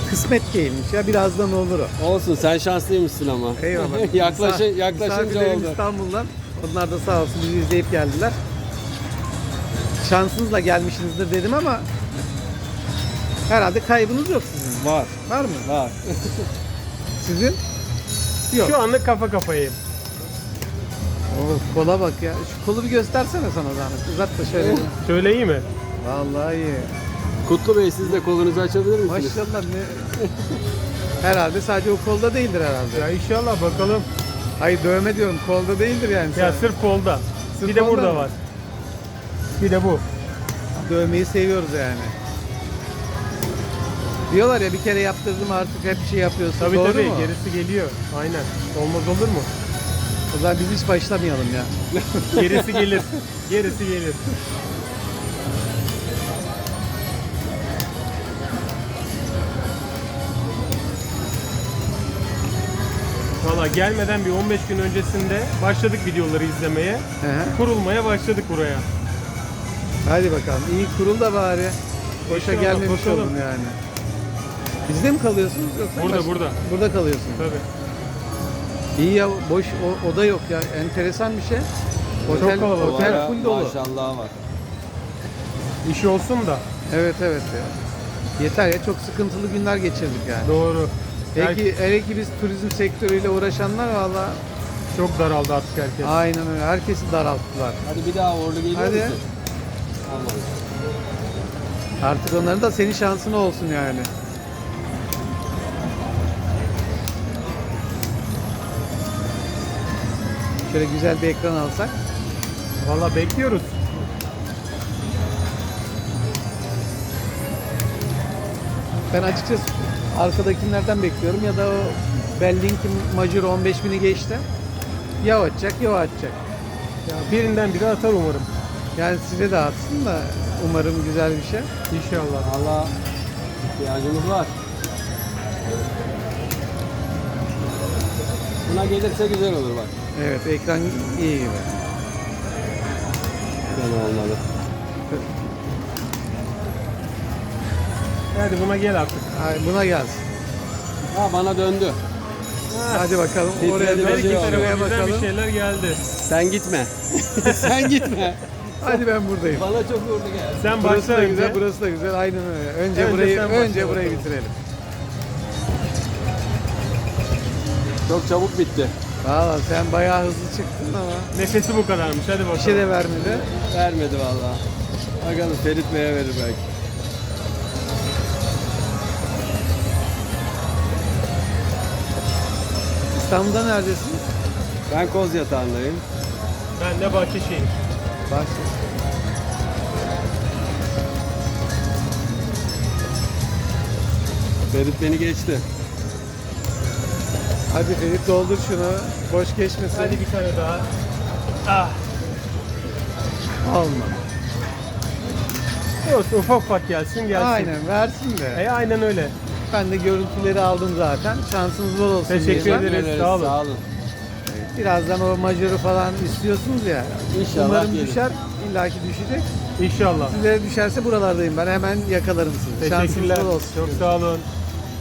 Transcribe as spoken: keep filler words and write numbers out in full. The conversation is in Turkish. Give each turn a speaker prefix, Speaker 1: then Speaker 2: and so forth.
Speaker 1: kısmet değilmiş ya, birazdan olur o.
Speaker 2: Olsun, sen şanslıymışsın ama.
Speaker 1: Eyvallah.
Speaker 2: Yaklaşı,
Speaker 1: Misafir-
Speaker 2: yaklaşınca
Speaker 1: misafirlerim
Speaker 2: oldu.
Speaker 1: İstanbul'dan. Onlar da sağ olsun bizi izleyip geldiler. Şansınızla gelmişsinizdir dedim ama herhalde kaybınız yok sizin.
Speaker 2: Var,
Speaker 1: Var mı?
Speaker 2: var.
Speaker 1: Sizin? Yok.
Speaker 3: Şu anlık kafa kafayayım.
Speaker 1: Oh, kola bak ya. Şu kolu bir göstersene sana zahmet. Uzat da şöyle. bir.
Speaker 3: Şöyle iyi mi?
Speaker 1: Vallahi iyi.
Speaker 2: Kutlu Bey, siz de kolunuzu açabilir misiniz?
Speaker 1: Maşallah ne? Herhalde sadece o kolda değildir herhalde.
Speaker 3: Ya inşallah bakalım.
Speaker 1: Hayır, dövme diyorum, kolda değildir yani.
Speaker 3: Ya
Speaker 1: sen.
Speaker 3: sırf kolda.
Speaker 1: Sırf
Speaker 3: bir de
Speaker 1: kolda
Speaker 3: burada
Speaker 1: mı?
Speaker 3: var. Bir de bu.
Speaker 1: Dövmeyi seviyoruz yani. Diyorlar ya, bir kere yaptırdım artık hep şey yapıyorsun.
Speaker 3: Tabii
Speaker 1: Doğru
Speaker 3: tabii
Speaker 1: mu?
Speaker 3: gerisi geliyor. Aynen. Olmaz olur mu?
Speaker 1: O zaman biz hiç başlamayalım ya.
Speaker 3: Gerisi gelir. Gerisi gelir. Valla gelmeden bir on beş gün öncesinde başladık videoları izlemeye.
Speaker 1: Hı hı.
Speaker 3: Kurulmaya başladık buraya.
Speaker 1: Hadi bakalım. İyi kurul da bari. Boşa
Speaker 3: İnşallah,
Speaker 1: gelmemiş
Speaker 3: bakalım.
Speaker 1: olun yani. Bizde mi kalıyorsunuz yoksa?
Speaker 3: Burada,
Speaker 1: baş-
Speaker 3: burada.
Speaker 1: Burada kalıyorsunuz.
Speaker 3: Tabii.
Speaker 1: İyi ya, boş o, oda yok ya. Enteresan bir şey. Otel,
Speaker 3: kalabalık.
Speaker 1: otel
Speaker 2: Valla
Speaker 1: full dolu.
Speaker 2: maşallah var.
Speaker 3: İş olsun da.
Speaker 1: Evet evet ya. Yeter ya, çok sıkıntılı günler geçirdik yani.
Speaker 3: Doğru.
Speaker 1: Peki hele ki biz turizm sektörüyle uğraşanlar valla
Speaker 3: Çok daraldı artık herkes.
Speaker 1: aynen öyle. Herkesi daralttılar.
Speaker 2: Hadi bir daha uğurlu geliyor
Speaker 1: Hadi.
Speaker 2: musun? Olmadı.
Speaker 1: Artık onların da senin şansın olsun yani. Şöyle güzel bir ekran alsak.
Speaker 3: Valla bekliyoruz.
Speaker 1: Ben açıkçası arkadakilerden bekliyorum ya da o Belling'in Major on beş bini geçti. Ya o atacak ya o atacak.
Speaker 3: Ya birinden biri atar umarım.
Speaker 1: Yani size de atsın da umarım güzel bir şey.
Speaker 3: İnşallah.
Speaker 2: Valla ihtiyacımız var. Buna gelirse güzel olur bak.
Speaker 1: Evet, ekran iyi gibi.
Speaker 2: Fena olmadı.
Speaker 3: Hadi buna gel artık.
Speaker 1: Ay, buna gelsin.
Speaker 2: Ha, bana döndü.
Speaker 1: Hadi bakalım
Speaker 2: Titredi,
Speaker 1: oraya
Speaker 2: bir
Speaker 1: dön,
Speaker 2: şey
Speaker 3: Her iki
Speaker 2: oldu.
Speaker 1: şuraya
Speaker 3: tarafımızdan bir
Speaker 1: bakalım.
Speaker 3: şeyler geldi.
Speaker 2: Sen gitme. Sen gitme.
Speaker 1: Hadi ben buradayım.
Speaker 2: Bana çok uğurlu geldi.
Speaker 3: Sen
Speaker 1: Burası
Speaker 3: başla
Speaker 1: da
Speaker 3: önce.
Speaker 1: güzel, burası da güzel. Aynen öyle. Önce,
Speaker 3: Önce
Speaker 1: burayı
Speaker 3: sen başla
Speaker 1: önce burayı
Speaker 3: bakalım.
Speaker 1: bitirelim.
Speaker 2: Çok çabuk bitti.
Speaker 1: Valla sen bayağı hızlı çıktın ama
Speaker 3: Nefesi bu kadarmış. Hadi bakalım.
Speaker 1: bir şey de vermedi.
Speaker 2: Vermedi valla. Bakalım Ferit Bey'e verir belki.
Speaker 1: İstanbul'da neredesin?
Speaker 2: Ben Koz Yatağı'ndayım.
Speaker 3: Ben de Bahçeşehir.
Speaker 1: Bak.
Speaker 2: Ferit beni geçti.
Speaker 1: Hadi Ferit doldur şunu. Boş geçmesin.
Speaker 3: Hadi bir tane daha. Ah.
Speaker 1: Olma.
Speaker 3: Olsun, ufak ufak gelsin gelsin.
Speaker 1: Aynen versin de.
Speaker 3: E, aynen öyle.
Speaker 1: Ben de görüntüleri aldım zaten. Şansınız bol olsun.
Speaker 3: Teşekkür
Speaker 1: diyeceğim.
Speaker 3: ederiz. Sağ olun.
Speaker 2: Sağ olun.
Speaker 1: Birazdan o majörü falan istiyorsunuz ya.
Speaker 2: İnşallah
Speaker 1: Umarım
Speaker 2: gelir.
Speaker 1: düşer. İlla ki düşecek.
Speaker 3: İnşallah.
Speaker 1: Sizlere düşerse buralardayım ben. Hemen yakalarım sizi. Şansınız
Speaker 3: Teşekkürler.
Speaker 1: bol olsun.
Speaker 3: Çok sağ olun.